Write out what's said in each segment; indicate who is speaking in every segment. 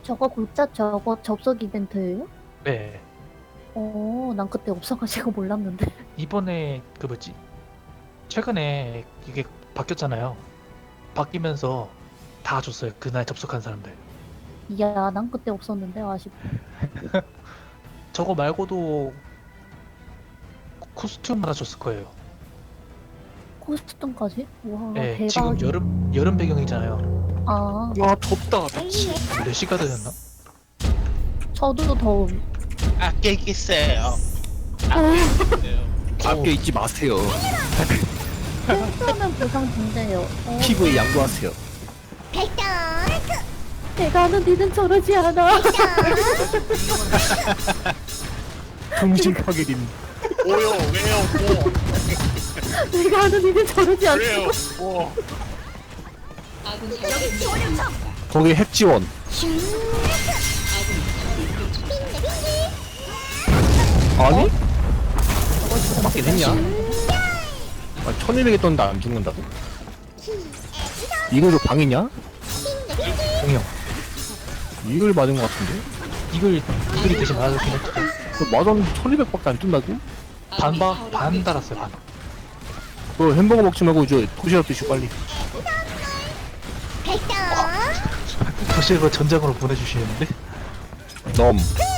Speaker 1: 저거 굴자 저거 접속 이벤트예요?
Speaker 2: 네.
Speaker 1: 난 그때 없어가지고 몰랐는데.
Speaker 2: 이번에 그 뭐지? 최근에 이게 바뀌었잖아요. 바뀌면서 다 줬어요. 그날 접속한 사람들.
Speaker 1: 이야, 난 그때 없었는데 아쉽다.
Speaker 2: 저거 말고도 코스튬 하나 줬을 거예요.
Speaker 1: 코스튬까지? 와,
Speaker 2: 네,
Speaker 1: 대박.
Speaker 2: 지금 여름 배경이잖아요.
Speaker 1: 아,
Speaker 3: 와 덥다 미치.
Speaker 2: 4시가 되셨나?
Speaker 1: 저도 더움.
Speaker 4: 아껴 있겠어요.
Speaker 3: 아껴 잊지 마세요.
Speaker 1: 필수하면 보상 준대요.
Speaker 3: 피부에 양보하세요.
Speaker 1: 내가 아는 니는 저러지 않아.
Speaker 3: 정신 파괴림.
Speaker 4: 뭐요? 왜요? 뭐?
Speaker 1: 내가 아는 니는 저러지 않아.
Speaker 4: 왜요? 뭐?
Speaker 3: 거기 핵지원. 아니? 맞긴 했냐? 아, 1200에 떴는데 안 죽는다고? 이걸로 방이냐?
Speaker 2: 공영.
Speaker 3: 이걸 맞은 것 같은데?
Speaker 2: 이글이 대신 맞았긴 했죠.
Speaker 3: 그 맞았는데 1200밖에 안 뜬다고?
Speaker 2: 반 달았어요, 반.
Speaker 3: 너 햄버거 먹지 말고 이제 도시락 드시고 빨리.
Speaker 2: 도시락을 전장으로 보내주시는데?
Speaker 3: 넘.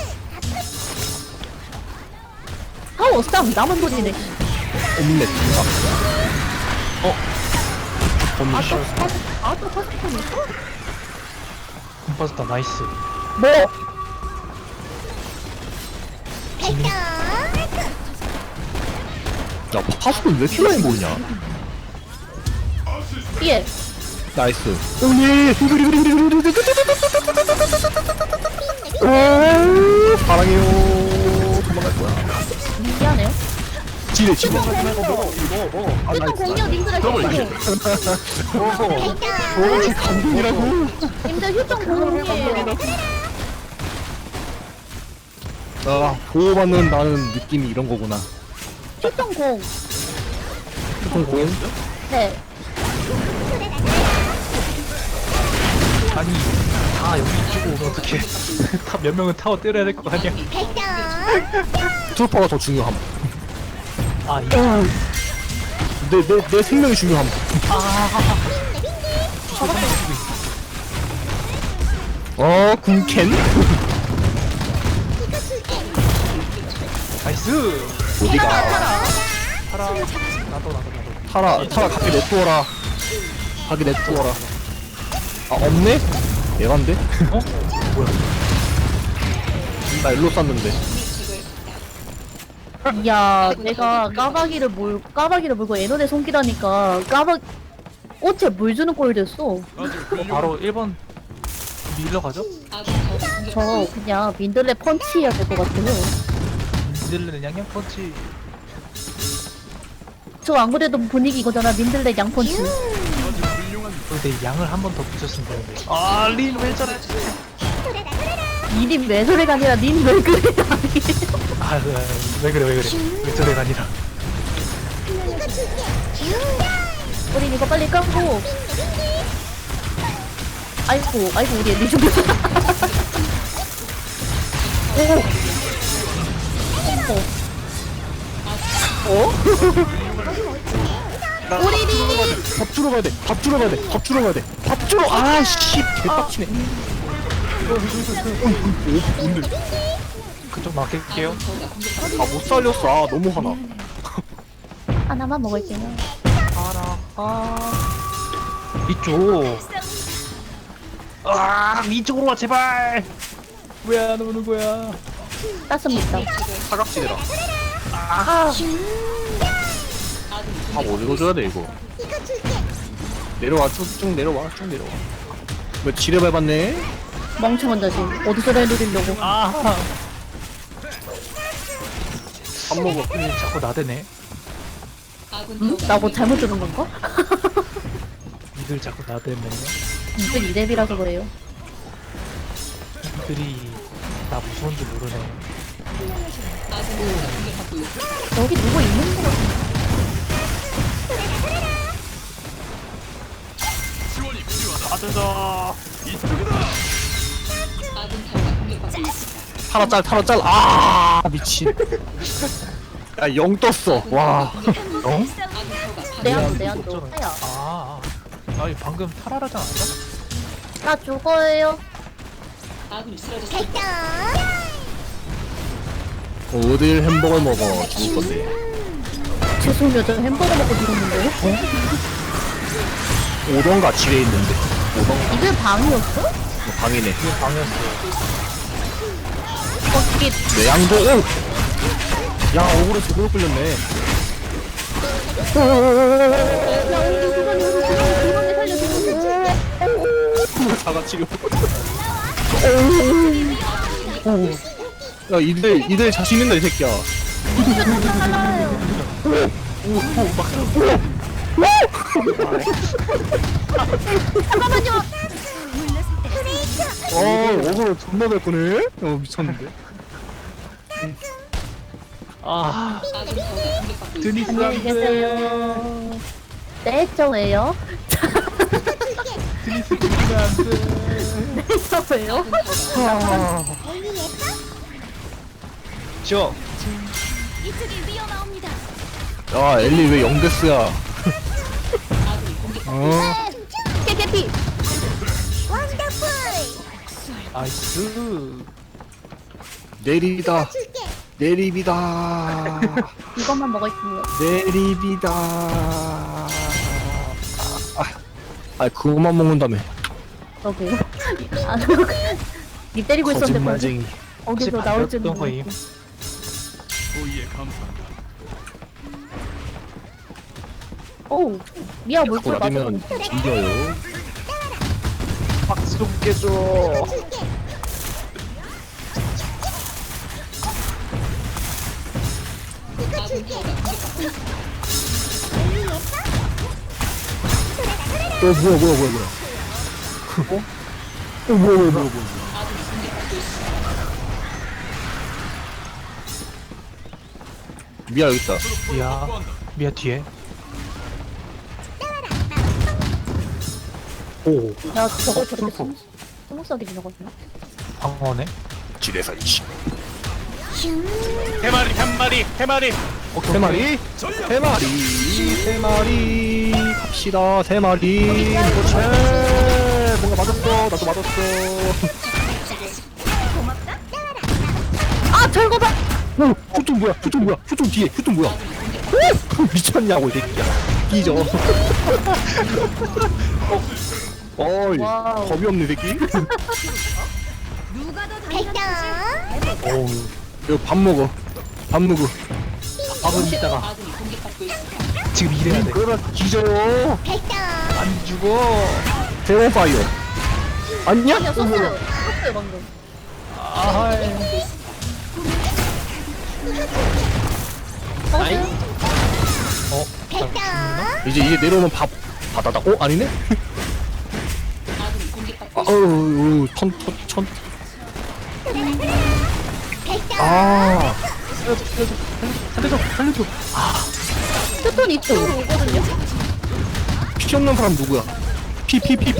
Speaker 1: 아우, 쌈 남은 돈이네.
Speaker 3: 옴렛. 옴렛.
Speaker 1: 또 코스튬 있어?
Speaker 2: 콤파스타 나이스.
Speaker 1: 뭐?
Speaker 3: 야, 파수꾼 왜 이렇게 많이 모이냐?
Speaker 1: 예.
Speaker 3: 나이스. 오예. 사랑해요. 도망갈 거야.
Speaker 1: 미안해요.
Speaker 3: 지뢰.
Speaker 1: 휴통 공룡 님들 하셨어요.
Speaker 3: 오, 감동이라고.
Speaker 1: 님들 휴통 공룡이에요.
Speaker 3: 아, 보호받는 나는 느낌이 이런 거구나.
Speaker 1: 휴통 공.
Speaker 3: 공공.
Speaker 1: 네.
Speaker 2: 아니, 다 여기 이쪽으로 오면 어떡해. 다 몇 명은 타워 때려야 될 거 아니야.
Speaker 3: 트루퍼가 더 중요함.
Speaker 2: 아, 이
Speaker 3: 내 생명이 중요함. 군캔?
Speaker 2: 나이스!
Speaker 3: 어디가?
Speaker 2: 타라. 나도.
Speaker 3: 타라, 가게 냅두어라. 가게 냅두어라. 아, 없네? 얘간데?
Speaker 2: 어? 뭐야?
Speaker 3: 나 일로 쐈는데.
Speaker 1: 이야, 내가 까마귀를 물고 애너에 손기라니까 꽃에 물 주는 꼴 됐어.
Speaker 2: 바로 1번 밀러 가죠?
Speaker 1: 저 그냥 민들레 펀치 해야 될 것 같아요.
Speaker 2: 민들레는 양양 펀치.
Speaker 1: 저 안 그래도 분위기 이거잖아. 민들레 양펀치.
Speaker 2: 근데 양을 한 번 더 붙였으면 되는데. 아, 린 왜 저래?
Speaker 1: 니님 왜 저래가 아니라 닌 왜 그래 아니.
Speaker 2: 아, 왜 그래. 왜 저래가 아니라.
Speaker 1: 우린 이거 빨리 까고. 아이고 우리 애니 좀. 어? 우리니
Speaker 3: 밥 주러 가야 돼. 밥 주러 가야 돼. 아씨, 개빡치네. 뭔데?
Speaker 2: 그쪽 맡길게요.
Speaker 3: 아, 못 살렸어. 아, 너무 화나.
Speaker 1: 하나만 먹을게요.
Speaker 2: 이쪽. 아, 이쪽으로 와, 제발! 왜 안 오는 거야?
Speaker 1: 땄습니다.
Speaker 3: 사각지대라.
Speaker 1: 아,
Speaker 3: 밥 어디로 줘야 돼, 이거? 내려와, 쭉 내려와. 왜 지뢰 밟았네?
Speaker 1: 멍청한 자식. 어디서 날 노리려고.
Speaker 2: 아,
Speaker 3: 밥 먹어.
Speaker 2: 자꾸 나대네.
Speaker 1: 응? 나 뭐 잘못 들은 건가?
Speaker 2: 이들 자꾸 나대네.
Speaker 1: 이들 이랩이라서 그래요.
Speaker 2: 이들이 나 무서운 줄 모르네.
Speaker 1: 여기 누구 있는 거 같은데.
Speaker 2: 가자.
Speaker 3: 타라 짤. 아 미친. 야0 떴어. 와. 영?
Speaker 1: 내한도 하야.
Speaker 2: 아니 방금 탈하라지 않았어?
Speaker 1: 나 죽어요.
Speaker 3: 어딜 햄버거 먹어 죽을 건데.
Speaker 1: 죄송해요. 저 햄버거 먹고 죽었는데요?
Speaker 3: 오던가 지뢰 있는데.
Speaker 1: 이게 방이었어?
Speaker 3: 방이네.
Speaker 2: 방이었어.
Speaker 1: 이게
Speaker 3: 내양도 오. 야 억울해 제대로 끌렸네. 다 같이 야 이들 자신 있는다 이 새끼야.
Speaker 1: 잠깐만요.
Speaker 3: 억울해 존나 될 거네. 미쳤는데.
Speaker 2: 드니스
Speaker 1: 안녕히 계세요. 네, 저예요.
Speaker 2: 드니스 죽으면 안 돼.
Speaker 1: 네, 저예요.
Speaker 2: 저
Speaker 3: 야 엘리 왜 0데스야.
Speaker 1: 깨깨피.
Speaker 2: 나이스.
Speaker 3: 내리비다. 내리비다.
Speaker 1: 이것만 먹을게요.
Speaker 3: 내리비다. 그거만 먹는다며.
Speaker 1: 저기요. 니 때리고 있었는데
Speaker 3: 거짓말쟁이.
Speaker 1: 거기서 나올 줄은
Speaker 2: 반대였던 거임.
Speaker 1: 오, 미아 물줄
Speaker 3: 라면
Speaker 1: 맞아.
Speaker 3: 이겨요.
Speaker 2: 박수 좀 깨줘.
Speaker 3: 뭐야. 뭐야. 미아 여기 있다.
Speaker 2: 미야 뒤에.
Speaker 3: 오.
Speaker 1: 야, 저걸 저렇게 스무스하게 지나거든요.
Speaker 2: 방어네.
Speaker 3: 지뢰사 이씨.
Speaker 4: 해마리.
Speaker 3: 세 마리. 갑시다. 세 마리. 그렇지. 뭔가 맞았어. 나도 맞았어.
Speaker 1: 아, 절거다.
Speaker 3: 휴통 뭐야? 휴통 뒤에. 휴통 뭐야? 미쳤냐고 이 새끼야. 끼죠. 어이.
Speaker 1: 와우.
Speaker 3: 겁이 없네 이 새끼. 어우. 이거 밥 먹어.
Speaker 2: 밥은 이따가. 지금 일해야 돼.
Speaker 3: 그러다 뒤져요.
Speaker 2: 안 죽어.
Speaker 3: 제로파이어. 아니야?
Speaker 1: 아니야, 썼어요. 썼어요, 방금.
Speaker 3: 이제 내려오면 밥 받아다. 아니네? 천.
Speaker 2: 살려줘.
Speaker 1: 휴톤 이쪽으로 오거든요.
Speaker 3: 피 없는 사람 누구야? 피.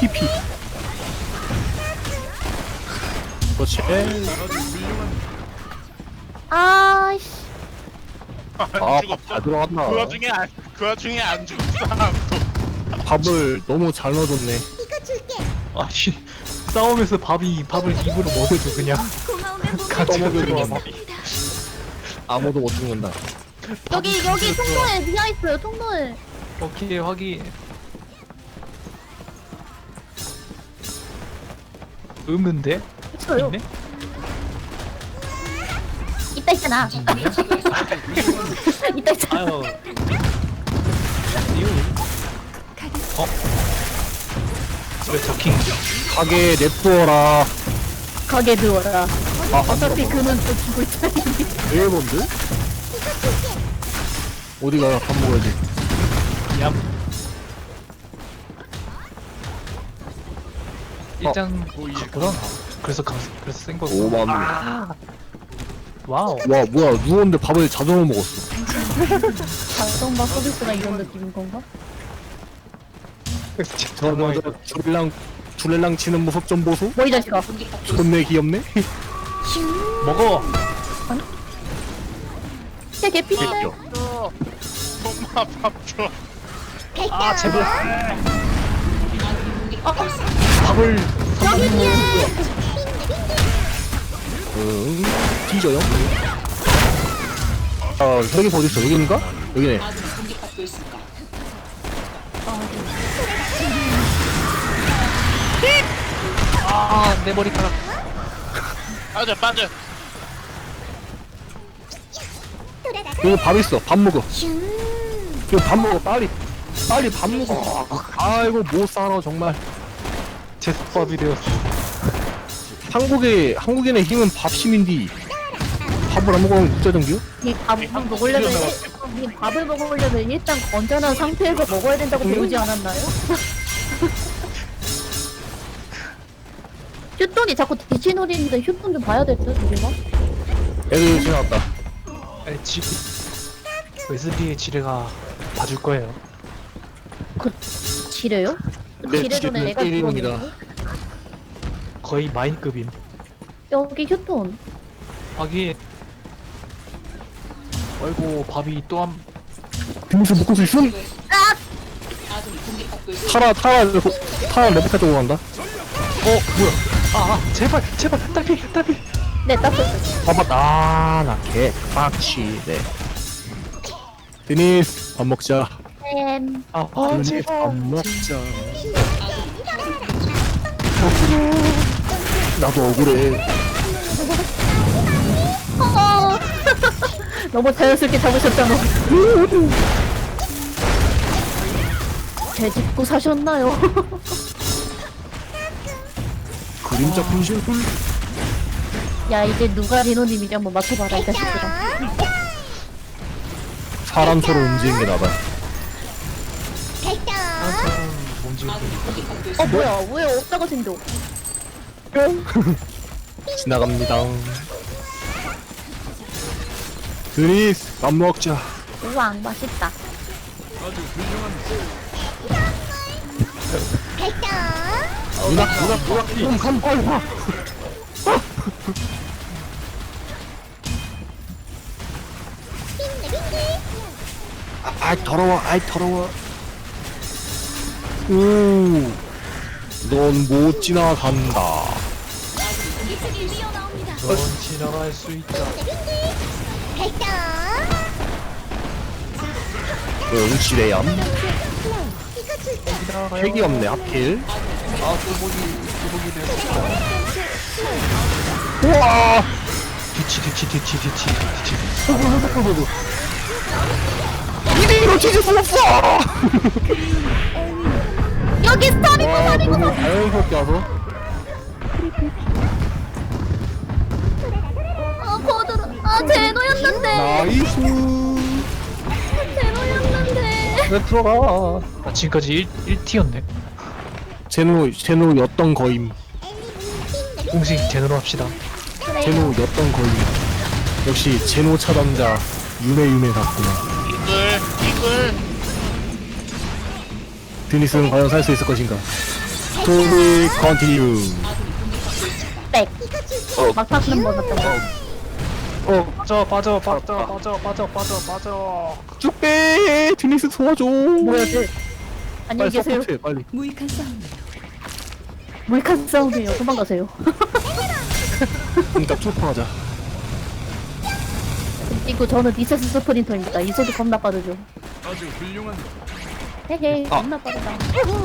Speaker 3: 그렇지.
Speaker 1: 아이씨.
Speaker 4: 안 죽었어.
Speaker 3: 다 들어갔나?
Speaker 4: 그 와중에 안 죽은 사람도.
Speaker 3: 밥을 너무 잘 넣어줬네.
Speaker 2: 아니 싸움에서 밥을 입으로 먹여줘 그냥. 같이
Speaker 3: 떠먹여줘.
Speaker 2: 들어와 밥이.
Speaker 3: 아무도 못 죽는다.
Speaker 1: 여기 통로에 미아 있어요, 통로에.
Speaker 2: 오케이 확인. 없는데?
Speaker 1: 있어요.
Speaker 2: 있네?
Speaker 1: 이따 있잖아. 이따 있잖아.
Speaker 2: 아유. 왜 저킹?
Speaker 3: 가게 냅두어라.
Speaker 1: 가게 누워라.
Speaker 3: 아,
Speaker 1: 어차피 그는 또 죽고 있잖아.
Speaker 3: 일본드? 어디가 밥 먹어야지.
Speaker 2: 얌. 일장 갔구나. 그래서 센 거고.
Speaker 3: 오만.
Speaker 2: 와우.
Speaker 3: 와 뭐야 누웠는데 밥을 자동으로 먹었어.
Speaker 1: 자동밥 서비스가 이런 느낌인 건가?
Speaker 3: 저 술래랑 치는 모습 좀 보소.
Speaker 1: 뭐 이 자식아.
Speaker 3: 존내 귀엽네.
Speaker 2: 먹어.
Speaker 1: 쟤 개피인데.
Speaker 3: 귀엽죠.
Speaker 4: 엄마 밥 줘.
Speaker 2: 아 제발.
Speaker 3: 밥을
Speaker 1: 여기에.
Speaker 3: 뒤져요. 아 혈기 어디 있어? 여기인가? 여기네.
Speaker 2: 내 머리카락.
Speaker 4: 빠져.
Speaker 3: 여기 밥 있어. 밥 먹어. 여기 밥 먹어. 빨리 밥 먹어. 아이고 못 살아 정말.
Speaker 2: 제습밥이 되었어.
Speaker 3: 한국인의 힘은 밥심인디. 밥을 안 먹으면 국자전기요?
Speaker 1: 이 밥을 먹으려면 이 밥을 먹으려면 일단 건전한 상태에서 먹어야 된다고 배우지 않았나요? 휴톤이 자꾸 뒤치놀이인데 휴톤 좀 봐야 될 듯, 우리가?
Speaker 3: 애들 지나갔다.
Speaker 2: 아니, 웨슬리의 지뢰가 봐줄 거예요.
Speaker 1: 지뢰요?
Speaker 3: 네,
Speaker 1: 지뢰 전에
Speaker 3: 지뢰는
Speaker 1: 내가
Speaker 3: 때리는입니다.
Speaker 1: 들어오는데?
Speaker 2: 거의 마인급임.
Speaker 1: 여기 휴톤.
Speaker 2: 하긴. 아이고 밥이 또 한.
Speaker 3: 빙수 먹고 있음? 타라 레베카 쪽으로 간다.
Speaker 2: 뭐야? 제발 딸피.
Speaker 1: 네, 딱
Speaker 3: 봐봐 나 개빡치네. 드니스 밥 먹자.
Speaker 1: 쌤.
Speaker 3: 드니스 밥 먹자. 나도 억울해.
Speaker 1: 너무 자연스럽게 잡으셨잖아. 제 집고 사셨나요?
Speaker 3: 그림자 분실.
Speaker 1: 야, 이제 누가 리노님이지 한번 맞춰봐라, 이 자식들아.
Speaker 3: 사람처럼 움직이는 게 나봐.
Speaker 2: 뭔지.
Speaker 1: 뭐야, 왜 없다고 생겨?
Speaker 3: 지나갑니다. 드니스 밥 먹자.
Speaker 1: 우와, 맛있다.
Speaker 3: 누나 좀 빨리 와. 아이 더러워. 넌 못 지나간다.
Speaker 2: 넌 지나갈 수 있다.
Speaker 3: 응시래얌. 핵이 없네 하필. 우와.
Speaker 2: 뒤치.
Speaker 3: 이거 진짜 무섭어.
Speaker 1: 여기 스타리고
Speaker 3: 너무 자연스럽게 와서.
Speaker 1: 코드로. 제노였는데.
Speaker 3: 나이스.
Speaker 1: 제노였는데.
Speaker 3: 왜 들어가?
Speaker 2: 나 지금까지 1티였네.
Speaker 3: 제노였던 거임.
Speaker 2: 공식 제대로 합시다.
Speaker 3: 제노였던 거임. 역시 제노 차단자 유메 같구나.
Speaker 4: 이글.
Speaker 3: 드니스는 과연 살 수 있을 것인가? 스토리 컨티뉴.
Speaker 1: 백. 막타는 거 같던 거.
Speaker 2: 빠져.
Speaker 3: 쭉 빼. 드니스 도와줘.
Speaker 1: 뭐야, 쟤. 안녕히
Speaker 3: 빨리
Speaker 1: 계세요.
Speaker 3: 서포트해 빨리.
Speaker 1: 물칸 싸움이에요. 도망가세요.
Speaker 3: 그러니까 초파하자.
Speaker 1: 그리고 저는 리세스 스프린터입니다. 이속이 겁나 빠르죠.
Speaker 4: 아주 훌륭한.
Speaker 1: 헤헤, 겁나 빠르다.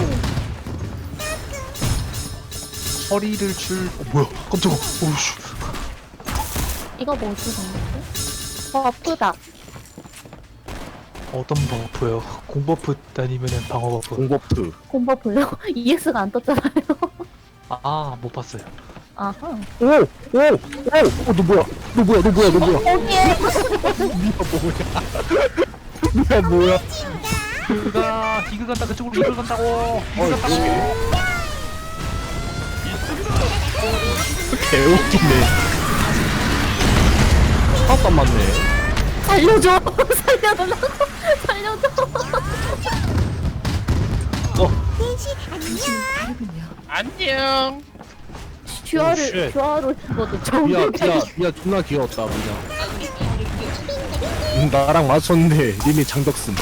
Speaker 2: 허리를 뭐야? 깜짝아. 오우씨.
Speaker 1: 이거 뭐지, 방금? 버프다.
Speaker 2: 어떤 버프요? 공버프 아니면은 방어 버프?
Speaker 3: 공버프.
Speaker 1: 콤버프요? ES가 안 떴잖아요.
Speaker 2: 못 봤어요.
Speaker 1: 아하.
Speaker 3: 너 뭐야?
Speaker 1: 거기에.
Speaker 3: 뭐야?
Speaker 2: 이그 간다. 그쪽으로 이그 간다고.
Speaker 3: 개웃기네. 하나도 안 맞네.
Speaker 1: 살려줘. 살려달라고. 살려줘.
Speaker 4: 안녕.
Speaker 2: 쉣.
Speaker 1: 슈아로 죽어도
Speaker 3: 미야
Speaker 1: 정글까지.
Speaker 3: 미야 존나 귀여웠다 미야. 나랑 맞췄는데 님이 장덕슨.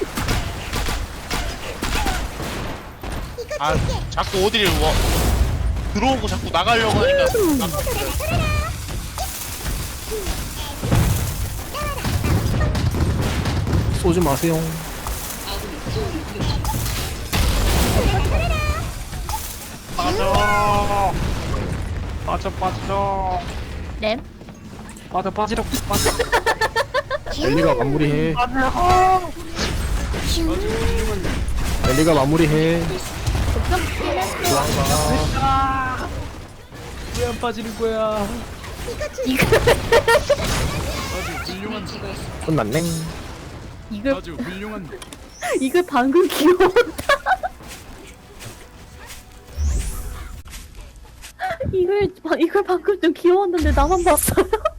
Speaker 4: 아 자꾸 어디를 들어오고 자꾸 나가려고 하니까.
Speaker 3: 쏘지 마세요.
Speaker 2: 빠져. 빠져.
Speaker 1: 램.
Speaker 2: 빠지러.
Speaker 3: 엘리가 마무리해. 엘리가 마무리해.
Speaker 2: 왜 안 빠지는 거야?
Speaker 1: 이거
Speaker 4: 아주 훌륭한데.
Speaker 3: 끝났네.
Speaker 1: 이걸
Speaker 4: 아주 훌륭한데.
Speaker 1: 이걸 방금 귀여웠다. 이걸 방금 좀 귀여웠는데 나만 봤어요.